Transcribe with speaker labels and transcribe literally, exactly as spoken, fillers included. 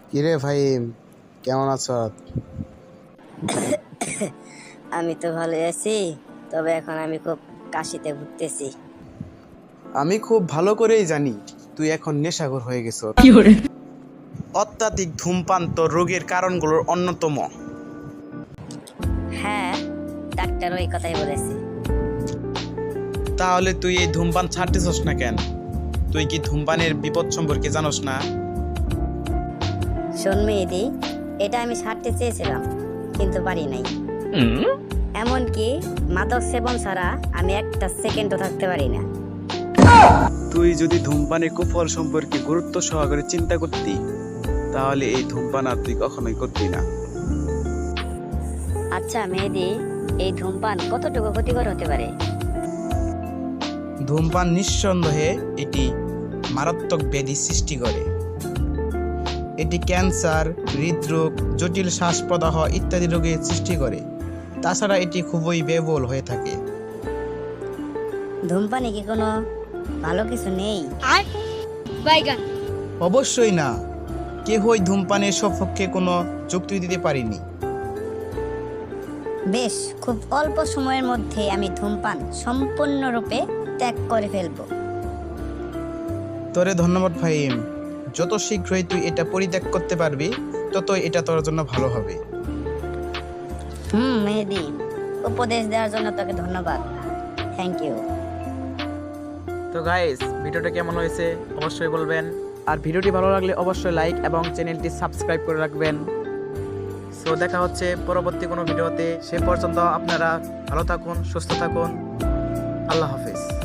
Speaker 1: কিরে ফাহিম, কেমন আছো?
Speaker 2: আমি তো ভালো আছি, তবে এখন আমি খুব কাশিতে ভুগতেছি।
Speaker 1: আমি খুব ভালো করেই জানি তুই এখন নেশাখোর হয়ে গেছ। অত্যাধিক ধূমপান তো রোগের কারণগুলোর অন্যতম।
Speaker 2: হ্যাঁ, ডাক্তার ওই কথাই বলেছে।
Speaker 1: তাহলে তুই এই ধূমপান ছাড়তেছস না কেন? তুই কি ধূমপানের বিপদ সম্পর্কে জানোস না?
Speaker 2: শোন মেহেদি, এটা আমি ছাড়তে চেয়েছিলাম কিন্তু পারি নাই। এমনকি মাদক সেবন ছাড়া আমি একটা সেকেন্ডও থাকতে পারি না।
Speaker 1: তুই যদি ধূমপানের কুফল সম্পর্কে গুরুত্ব সহকারে চিন্তা করতি, তাহলে এই ধূমপান আর তুই কখনোই করতি না।
Speaker 2: আচ্ছা মেহেদি, এই ধূমপান কতটুকু ক্ষতিকর হতে পারে?
Speaker 1: ধূমপান নিঃসন্দেহে এটি মারাত্মক ব্যাধি সৃষ্টি করে। এটি ক্যান্সার, হৃদরোগ, জটিল শ্বাসপ্রদাহ ইত্যাদি রোগের সৃষ্টি করে। তাছাড়া এটি খুবই ব্যয়বহুল হয়ে থাকে।
Speaker 2: ধূমপানে কি কোনো ভালো কিছু নেই?
Speaker 1: অবশ্যই না, কেহই ধূমপানের সপক্ষে কোনো যুক্তি দিতে পারেনি।
Speaker 2: বেশ, খুব অল্প সময়ের মধ্যে আমি ধূমপান সম্পূর্ণরূপে ত্যাগ করে ফেলবো।
Speaker 1: তোরে ধন্যবাদ ফাহিম। যত শীঘ্রই তুই এটা পরিত্যাগ করতে পারবি, ততই এটা তোর জন্য ভালো হবে।
Speaker 2: হুম মেহেদি, উপদেশ দেওয়ার জন্য তোকে ধন্যবাদ। Thank you.
Speaker 3: তো গাইস, ভিডিওটা কেমন হয়েছে অবশ্যই বলবেন, আর ভিডিওটি ভালো লাগলে অবশ্যই লাইক এবং চ্যানেলটি সাবস্ক্রাইব করে রাখবেন। সো দেখা হচ্ছে পরবর্তী কোনো ভিডিওতে। সে পর্যন্ত আপনারা ভালো থাকুন, সুস্থ থাকুন। আল্লাহ হাফেজ।